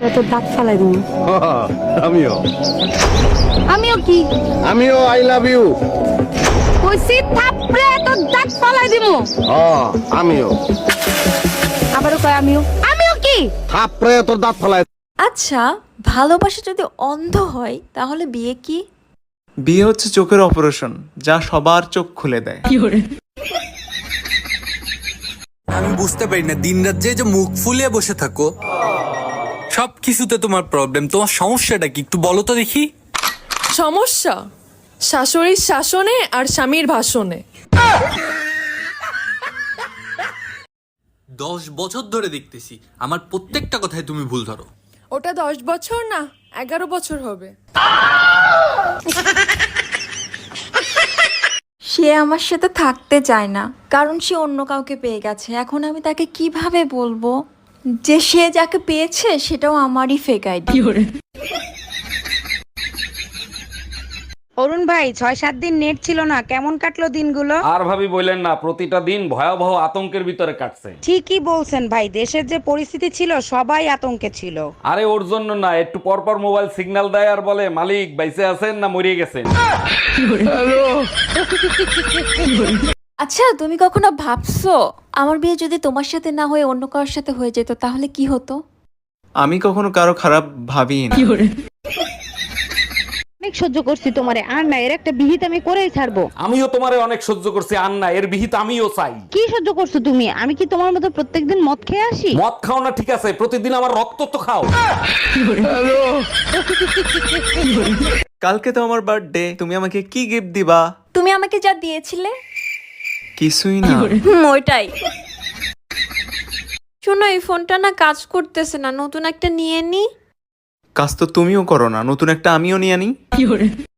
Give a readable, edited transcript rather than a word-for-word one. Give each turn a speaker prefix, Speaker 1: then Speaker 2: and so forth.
Speaker 1: তোর দাঁত ফালাই দিন।
Speaker 2: আমিও
Speaker 1: আমিও কি?
Speaker 2: আমিও আই লাভ ইউ।
Speaker 1: কইছি থাপড়ে তোর দাঁত ফালাই দিমু।
Speaker 2: আমিও
Speaker 1: আবারও কয় আমিও। আমিও কি?
Speaker 2: থাপড়ে তোর দাঁত ফেলায়।
Speaker 3: আচ্ছা, ভালোবাসা যদি অন্ধ হয় তাহলে বিয়ে কি?
Speaker 4: বিয়ে হচ্ছে চোখের অপারেশন, যা সবার চোখ খুলে দেয়।
Speaker 5: আমি বুঝতে পারি না, দিনরাত যে মুখ ফুলিয়ে বসে থাকো, সব কিছুতে তোমার প্রবলেম। তোমার সমস্যাটা কি একটু বলো তো দেখি।
Speaker 6: সমস্যা শাশুড়ির শাসনে আর স্বামীর ভাষণে।
Speaker 5: 10 বছর ধরে দেখতেছি আমার প্রত্যেকটা কথায় তুমি ভুল ধরো।
Speaker 6: ওটা 10 বছর না 11 বছর হবে।
Speaker 3: সে আমার সাথে থাকতে চায় না, কারণ সে অন্য কাউকে পেয়ে গেছে। এখন আমি তাকে কিভাবে বলবো যে সে যাকে পেয়েছে সেটাও আমারই ফেক আইডি?
Speaker 1: অরুণ ভাই 6-7 দিন নেট ছিল না, কেমন কাটলো দিনগুলো?
Speaker 7: আর ভাবি বললেন না, প্রতিটা দিন ভয়াবহ আতঙ্কের ভিতরে কাটছে।
Speaker 1: ঠিকই বলছেন ভাই, দেশের যে পরিস্থিতি ছিল সবাই আতঙ্কে ছিল।
Speaker 7: আরে ওর জন্য না, একটু পর পর মোবাইল সিগন্যাল দেয় আর বলে মালিক বাইসে আছেন না মরিয়ে গেছেন।
Speaker 3: আচ্ছা, তুমি কখনো ভাবছো আমার বিয়ে যদি তোমার সাথে না হয়ে অন্য কারোর সাথে হয়ে যেত তাহলে কি হতো?
Speaker 4: আমি কখনো কারো খারাপ ভাবিই না।
Speaker 1: অনেক সহ্য করছি তোমারে, আর না এর একটা বিহিত আমি করেই ছাড়বো।
Speaker 7: আমিও তোমারে অনেক সহ্য করছি, আর না এর বিহিত আমিও চাই।
Speaker 1: কি সহ্য করছো তুমি? আমি কি তোমার মতো প্রত্যেকদিন মদ খেয়ে আসি?
Speaker 7: মদ খাও না ঠিক আছে, প্রতিদিন আমার রক্ত তো খাও।
Speaker 4: কালকে তো আমার বার্থডে, তুমি আমাকে কি গিফট দিবা?
Speaker 3: তুমি আমাকে যা দিয়েছিলে
Speaker 4: কিছুই না।
Speaker 3: ওইটাই। শোনো, এই ফোনটা না কাজ করতেছে না, নতুন একটা নিয়ে নি।
Speaker 4: কাজ তো তুমিও করো না, নতুন একটা আমিও নিয়ে আনি।